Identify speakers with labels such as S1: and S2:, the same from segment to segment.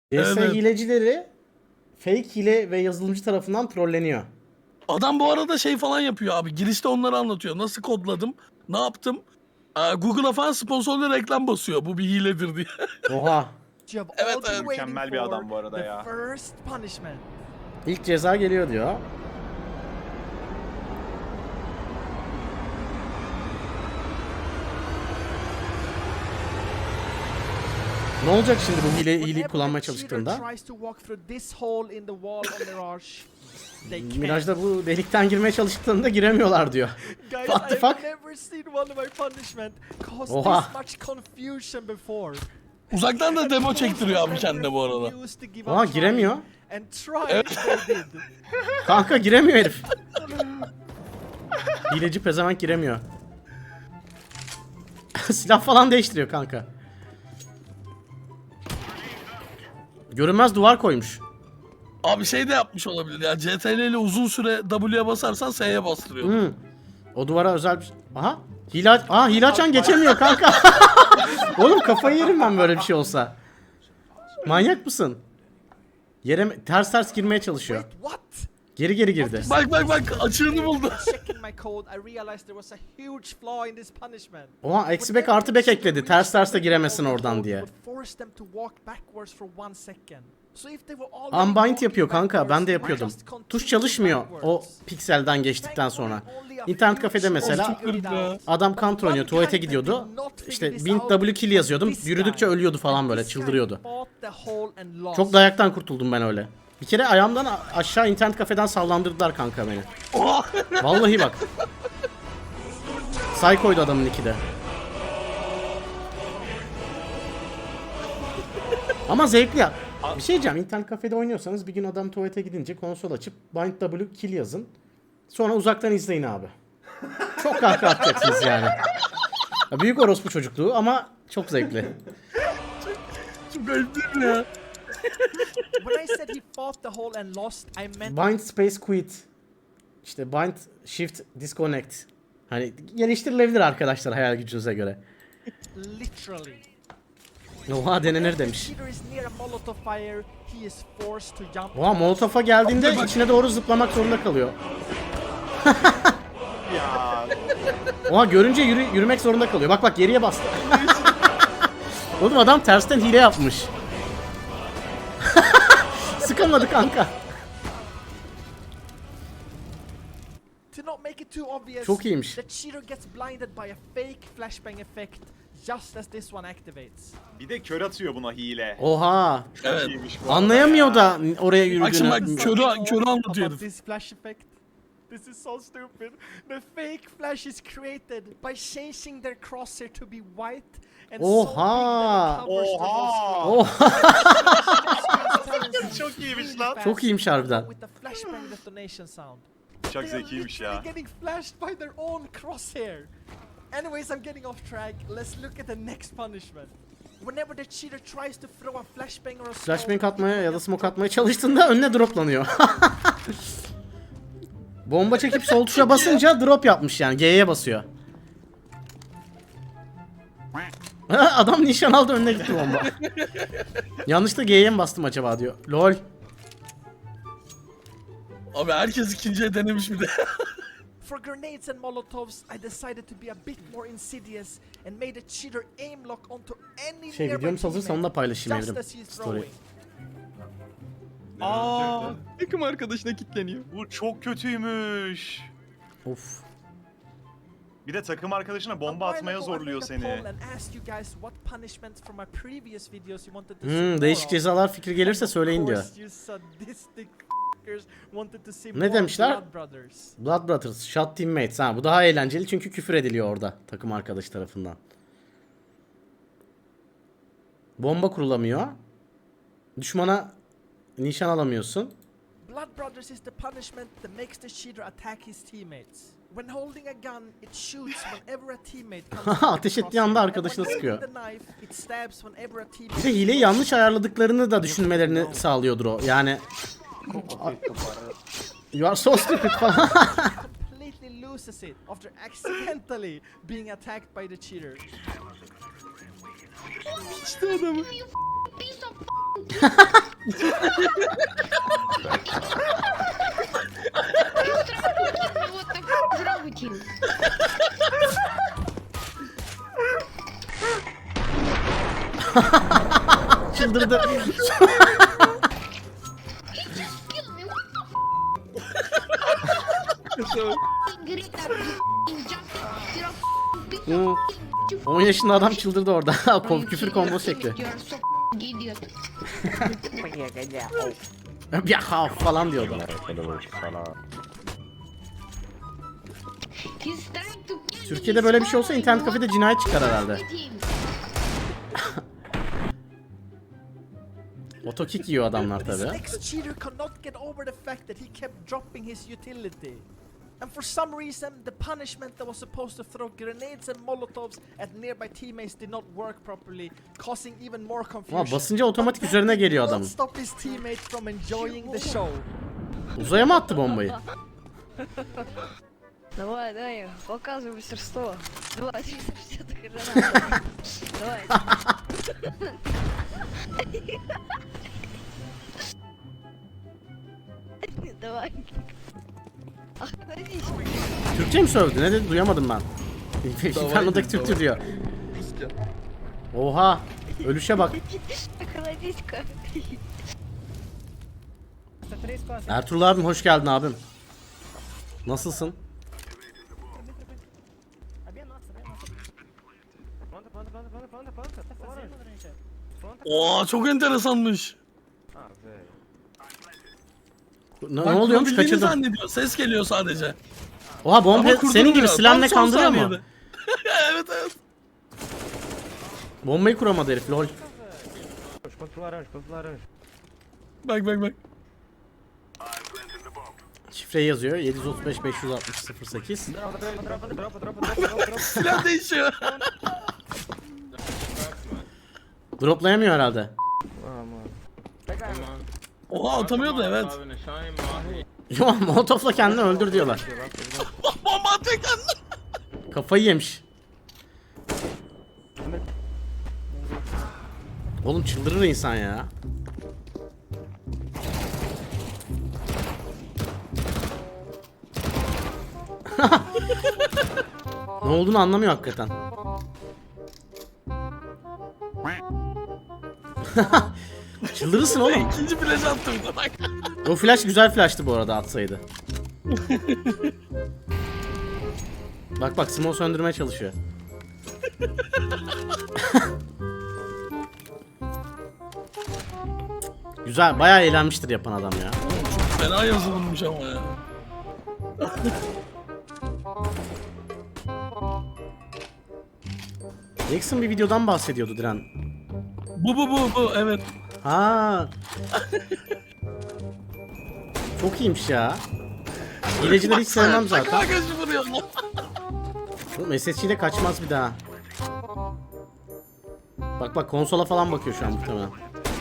S1: CS
S2: Evet.
S1: hilecileri fake hile ve yazılımcı tarafından trolleniyor.
S2: Adam bu arada şey falan yapıyor abi. Girişte onları anlatıyor. Nasıl kodladım? Ne yaptım? Google'a falan sponsorlu reklam basıyor. Bu bir hiledir diye.
S1: Oha.
S3: You have
S2: Evet,
S3: all been
S2: evet.
S3: waiting
S4: Mükemmel bir adam bu
S3: for
S4: arada
S3: the
S4: ya.
S3: first punishment.
S1: İlk ceza geliyor diyor. Ne olacak şimdi bu hileyi
S3: Whenever
S1: kullanmaya
S3: the cheater
S1: çalıştığında?
S3: tries to walk through this hole in the wall on Mirage, they can't.
S1: Miraj'da bu delikten girmeye çalıştıklarında giremiyorlar diyor.
S3: Guys,
S1: What the
S3: I've
S1: fuck?
S3: never seen one of my punishment cause
S1: Oha.
S3: this much confusion before.
S2: Uzaktan da demo çektiriyor abi kendine bu arada.
S3: Refused to give
S1: Oha
S3: a try,
S1: giremiyor.
S3: and tried they did.
S1: Kanka giremiyor herif. Hileci pezevenk giremiyor. Silah falan değiştiriyor kanka. Görünmez duvar koymuş.
S2: Abi şey de yapmış olabilir ya. CTRL ile uzun süre W'ye basarsan S'ye bastırıyor.
S1: Hmm. O duvara özel bir şey. Aha. Hile açan geçemiyor kanka. Oğlum kafayı yerim ben böyle bir şey olsa. Manyak mısın? Yere ters girmeye çalışıyor.
S3: Wait, what?
S1: Geri girdi.
S2: Bak açığını buldu.
S3: Checking my code, I realized there was a huge flaw in this punishment.
S1: Oha eksi bek artı bek ekledi. Ters de giremesin oradan diye. Unbind yapıyor kanka, ben de yapıyordum. Tuş çalışmıyor o pikselden geçtikten sonra. İnternet kafede mesela adam counter oynuyor, tuvalete gidiyordu. İşte bind W kill yazıyordum. Yürüdükçe ölüyordu falan böyle, çıldırıyordu. Çok dayaktan kurtuldum ben öyle. Bir kere ayağımdan aşağı internet kafeden sallandırdılar kanka beni. Vallahi bak. Psycho'ydu adamın iki de. Ama zevkli ya. Bir şey diyeceğim. İnternet kafede oynuyorsanız bir gün adam tuvalete gidince konsol açıp bind W kill yazın. Sonra uzaktan izleyin abi. Çok kahkaha atacaksınız yani. Ya büyük orospu çocukluğu ama çok zevkli.
S2: Çok ayıp değil mi ya?
S1: Bind space quit. İşte bind shift disconnect. Hani geliştirilebilir arkadaşlar hayal gücünüze göre.
S3: Literally.
S1: Oha denenir demiş.
S3: Cheater is near a molotov fire, he is forced to jump.
S1: Oha molotofa geldiğinde içine doğru zıplamak zorunda kalıyor.
S4: Ya
S1: Oha görünce yürümek zorunda kalıyor. Bak geriye bastı. Oğlum adam tersten hile yapmış. Sıkamadı kanka.
S3: To not make it too obvious,
S1: Çok iyiymiş.
S3: the cheater gets blinded by a fake flashbang effect just as this one activates.
S4: bir de kör atıyor buna hile.
S1: Oha.
S2: Evet.
S4: İyiymiş bu arada
S1: Anlayamıyor
S4: ya.
S1: da oraya
S2: Bak şimdi
S1: yürüdüğünü.
S2: bak körü anlatıyor
S3: About
S2: herif.
S3: this flash effect. This is so stupid. The fake flash is created by changing their crosshair to be white and so big
S1: Oha.
S3: that it covers the whole
S1: Oha.
S3: screen.
S4: Çok iyiymiş lan.
S1: Çok iyiymiş harbiden.
S3: With the flashbang detonation sound.
S4: Çok
S3: They are
S4: zekiymiş ya.
S3: literally getting flashed by their own crosshair. Anyways, I'm getting off track. Let's look at the next punishment. Whenever the cheater tries to throw a flashbang or a
S1: Flashbang
S3: smoke,
S1: atmaya ya da smoke atmaya çalıştığında önüne droplanıyor. Bomba çekip sol tuşa basınca drop yapmış yani. G'ye basıyor. Adam nişan aldı önüne gitti bomba. Yanlışlıkla G'ye mi bastım acaba diyor. Lol.
S2: Abi herkes ikinciye denemiş bir de.
S3: For grenades and molotovs, I decided to be a bit more insidious and made the cheater aim lock onto any
S1: Şey
S3: nearby
S1: videomuz hazırsa onu da paylaşayım
S3: just
S1: evrim.
S3: as he's
S1: Story.
S3: throwing.
S5: Aa, takım arkadaşına kilitleniyor.
S4: Bu çok kötüymüş.
S1: Of.
S4: Bir de takım arkadaşına bomba
S3: A while
S4: atmaya
S3: ago, I
S4: zorluyor
S3: made a poll
S4: seni.
S3: and asked you guys what punishments from my previous videos you wanted to see more
S1: Değişik
S3: of.
S1: cezalar fikri gelirse söyleyin diyor.
S3: Of course, you sadistic f***ers wanted to see
S1: Ne
S3: more
S1: demişler?
S3: Blood Brothers.
S1: Blood Brothers, Shot Teammates. Ha bu daha eğlenceli çünkü küfür ediliyor orada takım arkadaşı tarafından. Bomba kurulamıyor. Düşmana nişan alamıyorsun.
S3: Blood Brothers is the punishment that makes the cheater attack his teammates. When holding a gun, it shoots whenever a teammate comes into the
S1: Ateş ettiği anda
S3: crosshair, and
S1: arkadaşına
S3: when
S1: sıkıyor.
S3: holding the knife, it stabs whenever a
S1: Bir
S3: teammate
S1: de hileyi yanlış ayarladıklarını da düşünmelerini sağlıyordur o. Yani you are so stupid falan.
S3: completely loses it after accidentally being attacked by the cheater.
S5: İşte adamı.
S6: You piece of What the f is wrong with you?
S1: Çıldırdı.
S6: Kill me. What the f***ing Greta, you f***ing junkie, you're a f***ing bitch,
S1: Hmm.
S6: you f***ing
S1: 10 yaşında adam çıldırdı orada. Küfür kombo çekti.
S6: You're a so idiot.
S1: Ya falan diyordu.
S6: He's trying to kill me.
S1: Türkiye'de böyle bir şey olsa internet kafede cinayet çıkar herhalde.
S6: With him.
S1: Otokick yiyor adamlar
S3: This
S1: tabi.
S3: ex-cheater cannot get over the fact that he kept dropping his utility. And for some reason, the punishment that was supposed to throw grenades and molotovs at nearby teammates did not work properly, causing even more confusion.
S1: Ama basınca otomatik
S3: But
S1: üzerine
S3: that
S1: geliyor
S3: did not
S1: adamın.
S3: stop his teammates from enjoying the show.
S1: Uzaya mı attı bombayı?
S7: Давай, дай, показывай мастерство. 2, 360 гранат. Давай. Давай. Охладись.
S1: Türkçe mi sövdü? Ne dedi? Duyamadım ben. Fernand'daki Türkçe diyor. Oha. Ölüşe bak.
S7: Охладись-ка.
S1: Ertuğrul abim hoş geldin abim. Nasılsın?
S2: Oo çok enteresanmış.
S1: Ne
S2: Bak,
S1: oluyormuş?
S2: kurabildiğini
S1: Kaçırdım.
S2: zannediyor. Ses geliyor sadece.
S1: Oha bomba
S2: Ama
S1: senin gibi
S2: kurduruyor.
S1: silahla
S2: Tam son
S1: kandırıyor mu?
S2: saniyede. Evet evet.
S1: Bombayı kuramadı herif lol.
S2: Bak bak bak.
S1: Şifreyi yazıyor 735 560 08.
S2: Silah değişiyor.
S1: Droplayamıyor herhalde.
S2: Oha atamıyordu evet.
S1: Yo molotofla kendini öldür diyorlar.
S2: Bomba atıyor kendine.
S1: Kafayı yemiş. Oğlum çıldırır insan ya. Ne olduğunu anlamıyor hakikaten. Çıldırırsın oğlum.
S2: İkinci flash attı bir de bak.
S1: O flash güzel flash'tı bu arada atsaydı. Bak bak Simon söndürmeye çalışıyor. Güzel bayağı eğlenmiştir yapan adam ya.
S2: Fena yazılmış ama ya.
S1: Jackson bir videodan bahsediyordu Diren.
S2: Bu evet.
S1: Ha. Çok iyiymiş ya. Hilecileri hiç sevmem zaten.
S2: Bak kaç vuruyor lan.
S1: Oğlum SSG'de kaçmaz bir daha. Bak bak konsola falan bakıyor şu an muhtemelen.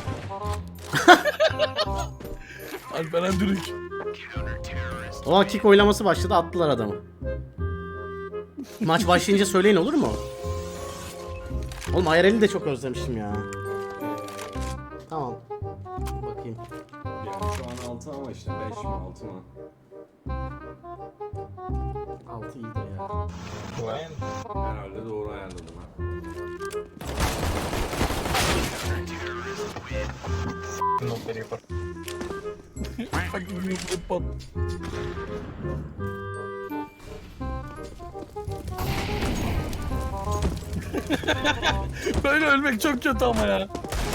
S2: Alperen Dürük.
S1: O kick oylaması başladı attılar adamı. Maç başlayınca söyleyin olur mu? Oğlum IRL'i de çok özlemişim ya. Tamam. Bakayım.
S8: Yani şu an 6 ama işte 5 mi 6 mı?
S1: 6 iyidir ya.
S8: Herhalde doğru ayarladım ha.
S2: Bak bu pot. Böyle ölmek çok kötü ama ya.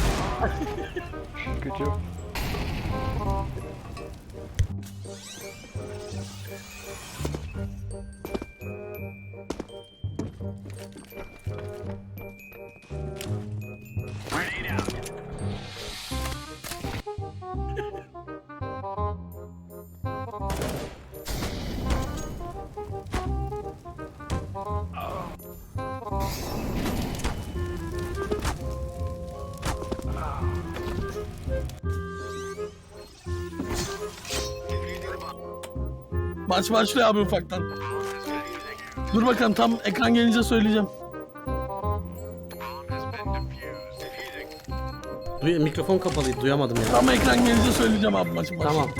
S2: Maç başlıyor abi ufaktan. Dur bakalım tam ekran gelince söyleyeceğim.
S1: Mikrofon kapalıydı, duyamadım ya.
S2: Tam ekran gelince söyleyeceğim abi maçın başında.
S1: Tamam.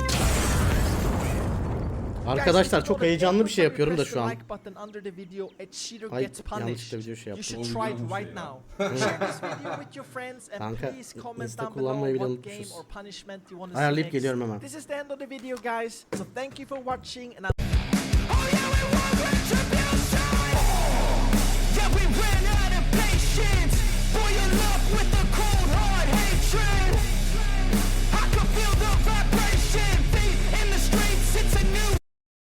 S1: Arkadaşlar çok heyecanlı bir şey yapıyorum da şu an. Ay yanlışlıkla video şey yaptım. Kanka, Insta kullanmayı bile unutmuşuz. Ayarlayıp geliyorum hemen.
S3: This is the end of the video guys. So thank you for watching and